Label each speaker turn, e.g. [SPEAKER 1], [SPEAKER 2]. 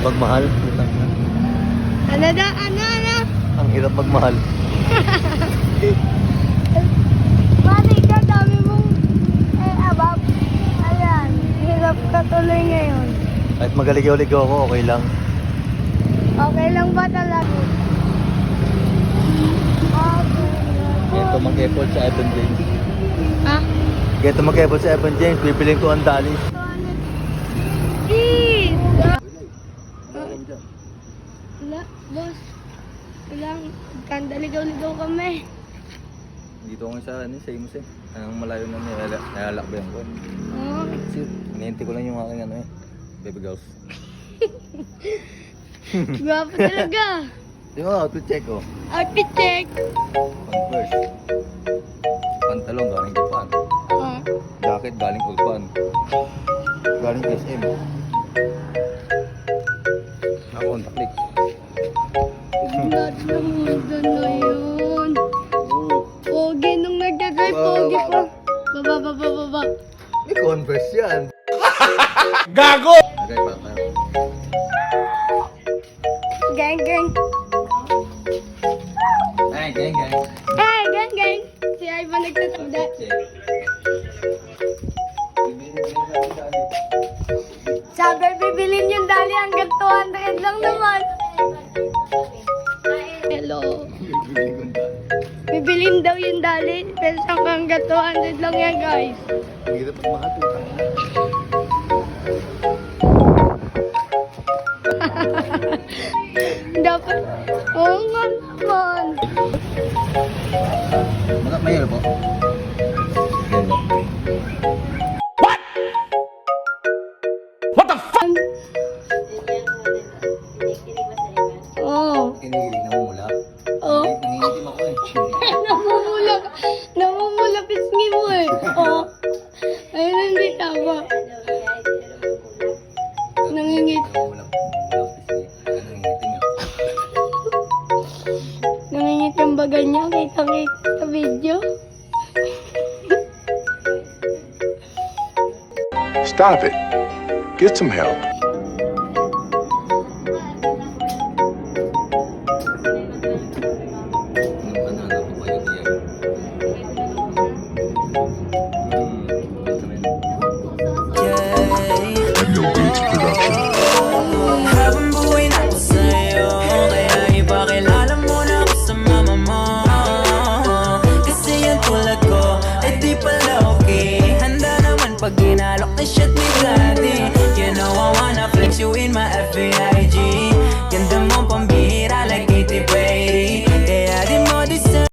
[SPEAKER 1] magmahal.
[SPEAKER 2] Ano na? Ano?
[SPEAKER 1] Ang hirap magmahal.
[SPEAKER 2] Mani ka, dami mong abab. Ayan, hirap ka tuloy ngayon.
[SPEAKER 1] Kahit magaligaw-ligaw ako, okay lang.
[SPEAKER 2] Okay lang ba talaga? Okay.
[SPEAKER 1] Ganito mag-effort sa Evan James.
[SPEAKER 2] Ha?
[SPEAKER 1] Ganito mag-effort sa Evan James, bibiling ko ang dali.
[SPEAKER 2] Eat! Wala, boss. Wala, kandaligaw-ligaw kami.
[SPEAKER 1] Dito ako sa Imus eh. Anong malayo na nayalakbayan ko.
[SPEAKER 2] Oo.
[SPEAKER 1] Kasi hinihintay ko lang yung aking baby girls.
[SPEAKER 2] Gwapo talaga.
[SPEAKER 1] Di ba, outfit check oh.
[SPEAKER 2] Outfit check.
[SPEAKER 1] Converse. Pantalong galing Japan.
[SPEAKER 2] Oo.
[SPEAKER 1] Jacket galing Ulpan. Galing SM. Contact link.
[SPEAKER 2] Lahat ng mundo na yun. Pogi nung nagdadrive, pogi pa. Baba.
[SPEAKER 1] May Converse yan.
[SPEAKER 3] Gago!
[SPEAKER 1] Okay pa tayo.
[SPEAKER 2] Gang.
[SPEAKER 1] Ay, gang.
[SPEAKER 2] Hey, gang. Si Ivan nagtatanda. Sabi, bibilin yung dali hanggang 200 lang naman. Hello. Bibilin daw yung dali, pero hanggang 200 lang yan, guys.
[SPEAKER 1] Ang hirap magmahal po.
[SPEAKER 2] Dapat, oo nga naman.
[SPEAKER 1] Mahirap po.
[SPEAKER 2] Oo.
[SPEAKER 1] Kinikilig na mula.
[SPEAKER 2] Oo.
[SPEAKER 1] Nangingitim ako eh.
[SPEAKER 2] Namumula pisngi mo eh. Oo. Ayun, hindi tama. Nangingit. Nangingit yung baga niya. Kita sa video.
[SPEAKER 3] Stop it. Get some help. Daniel Beats Production.
[SPEAKER 4] Habang buhay na ako sa'yo, kaya ipakilala mo na ako sa mama mo. Kasi yung tulad ko ay di pala okay. Handa naman pag ginalok na shit ni daddy. You know I wanna flex you in my FBI.